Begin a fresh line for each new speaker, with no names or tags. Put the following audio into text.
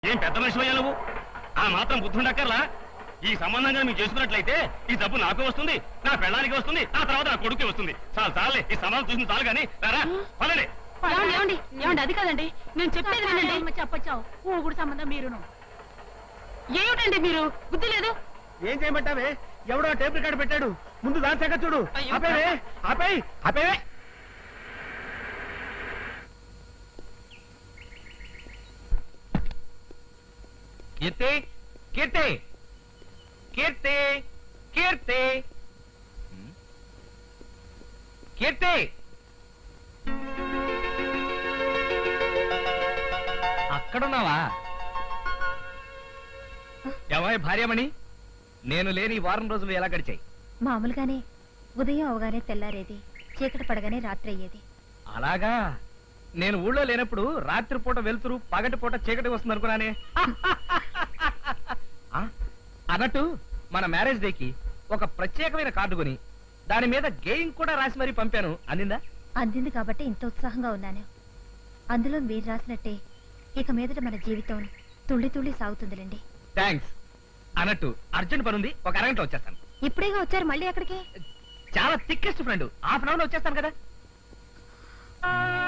ఏం పెద్ద మనిషి నువ్వు? ఆ మాత్రం బుద్ధి ఉండక్కర్లా? ఈ సంబంధంగా మీరు చేసుకున్నట్లయితే ఈ డబ్బు నాకు వస్తుంది, నా పెళ్ళానికి వస్తుంది, ఆ తర్వాత నా కొడుకు వస్తుంది. చాలే, ఈ సంబంధం చూసింది చాలు కానీ రారా పదండి.
ఏమండి అది కాదండి, నేను చెప్పేది వినండి. చెప్పచ్చావు ఊగుడు సంబంధం మీరును. ఏమిటండి మీరు బుద్ధి లేదు?
ఏం చేయమంటావే? ఎవడో టేప్ రికార్డు పెట్టాడు, ముందు దాని సంగ చూడు. ఆపేవే.
కీర్తి కీర్తి కీర్తి కీర్తి కీర్తి అక్కడున్నావా? ఎవరి భార్యమణి? నేను లేని వారం రోజులు ఎలా గడిచాయి?
మామూలుగానే ఉదయం అవగానే తెల్లారేది, చీకటి పడగానే రాత్రి అయ్యేది.
అలాగా? నేను ఊళ్ళో లేనప్పుడు రాత్రిపూట వెళ్తురు, పగటిపూట చీకటి వస్తుంది అనుకున్నానే. అన్నట్టు మన మ్యారేజ్ డేకి ఒక ప్రత్యేకమైన కార్డు కొని దాని మీద గేయింగ్ కూడా రాసి మరీ పంపాను. అందిందా?
అందింది కాబట్టి ఇంత ఉత్సాహంగా ఉన్నాను. అందులో మీరు రాసినట్టే ఇక మీదట మన జీవితం తుళ్ళి తుళ్ళి సాగుతుందిలేండి.
థ్యాంక్స్. అన్నట్టు అర్జెంట్ పనుంది, ఒక అరగంటలో వచ్చేస్తాను.
ఇప్పుడేగా వచ్చారు, మళ్ళీ ఎక్కడికి?
చాలా thickest friend, half an hour లో వచ్చేస్తాను కదా.